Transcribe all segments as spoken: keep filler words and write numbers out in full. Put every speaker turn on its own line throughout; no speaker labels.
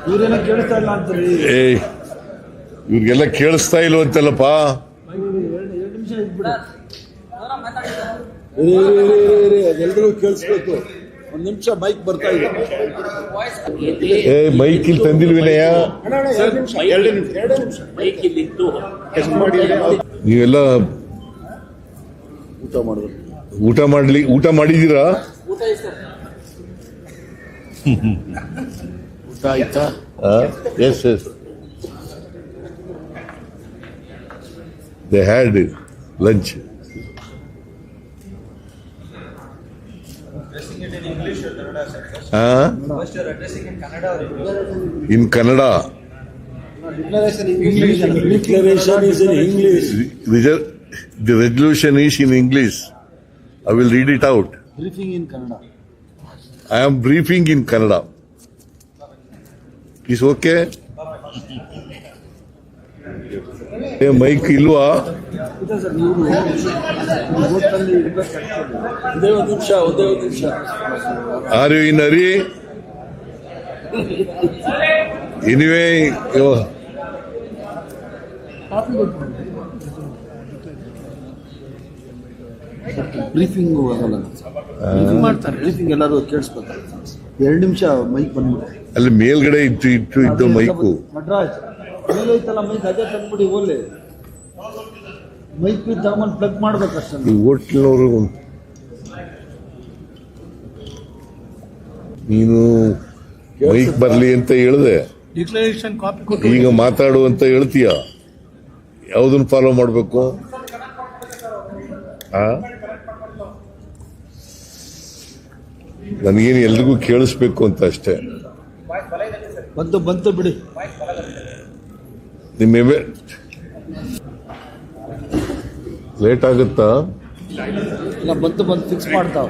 ಇವ್ರೇನ ಕೇಳಿಸ್ತಾ ಇಲ್ಲ ಅಂತಾರೆ.
ಏಯ್ ಇವ್ರಿಗೆಲ್ಲ ಕೇಳಿಸ್ತಾ ಇಲ್ವಂತಲ್ಲಪ್ಪ.
ಎರಡು ನಿಮಿಷ ಇದ್ಬಿಡು. ಅದೆಲ್ಲರಿಗೂ ಕೇಳಿಸ್ಬೇಕು. ಒಂದ್ ನಿಮಿಷ ಮೈಕ್ ಬರ್ತಾ ಇದೆ.
ಏ ಮೈಕ್ ಇಲ್ಲಿ ತಂದಿಲ್ ವಿನಯ. ನೀವೆಲ್ಲ
ಊಟ ಮಾಡಬೇಕು.
ಊಟ ಮಾಡ್ಲಿ ಊಟ ಮಾಡಿದೀರಾ?
ಊಟ ಆಯ್ತಾ?
Yes yes they had lunch. In Kannada.
Declaration is in English.
The resolution is in English. I will read it out.
Briefing in Kannada.
I am briefing in Kannada. Is okay? Hey, mic ilva?
ಒಂದೇ ಒಂದು ನಿಮಿಷ ಒಂದೇ ಒಂದು ನಿಮಿಷ.
Are you in hurry? Anyway, you
briefing ಆಗಲ್ಲ. Briefing ಮಾಡ್ತಾರೆ. Briefing ಎಲ್ಲರೂ ಕೇಳಿಸ್ಕೊತಾರೆ. ಎರಡು ನಿಮಿಷ ಮೈಕ್ ಬಂದ್ಬಿಟ್ಟು
ಅಲ್ಲಿ ಮೇಲ್ಗಡೆ ಇತ್ತು ಇಟ್ಟು ಇದ್ದು ಮೈಕು.
ನಟರಾಜ್ ಮೇಲೆ ಐತಲ್ಲ ಮೈಕ್, ಅದೇ ತಂದ್ಬಿಡಿ. ಓಲೆ ಮೈಕ್ ತಗೊಂಡ್ ಪ್ಲಗ್ ಮಾಡ್ಬೇಕಷ್ಟೇ.
ಈ ಹೋಟ್ಲಿನವರು ನೀನು ಮೈಕ್ ಬರ್ಲಿ ಅಂತ ಹೇಳಿದೆ,
ಡಿಕ್ಲರೇಷನ್ ಕಾಪಿ
ಈಗ ಮಾತಾಡು ಅಂತ ಹೇಳ್ತೀಯ. ಯಾವ್ದನ್ನ ಫಾಲೋ ಮಾಡ್ಬೇಕು? ಆ ನನಗೇನು ಎಲ್ರಿಗೂ ಕೇಳಿಸ್ಬೇಕು ಅಂತ ಅಷ್ಟೇ.
ಬಂತು ಬಂತು ಬಿಡಿ.
ನಿಮ್ಮ ಲೇಟ್ ಆಗುತ್ತಾ?
ಇಲ್ಲ ಬಂತು ಬಂತು ಫಿಕ್ಸ್ ಮಾಡ್ತಾವ.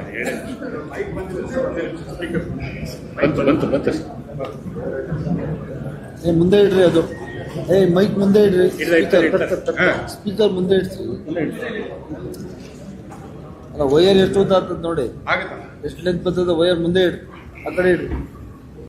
ಏ ಮುಂದೆ ಇಡ್ರಿ ಅದು. ಏ ಮೈಕ್ ಮುಂದೆ ಇಡ್ರಿ. ಸ್ಪೀಕರ್ ಮುಂದೆ ಇಡ್ರಿ. ಅಲ್ಲ ವೈರ್ ಎಷ್ಟು ಉದ್ದ ಆಗ್ತದೆ ನೋಡಿ, ಎಷ್ಟು ಲೆಂತ್ ಬರ್ತದೆ ವೈರ್ ಮುಂದೆ ಇಡ್ರಿ. ಆ ಕಡೆ ಇಡ್ರಿ.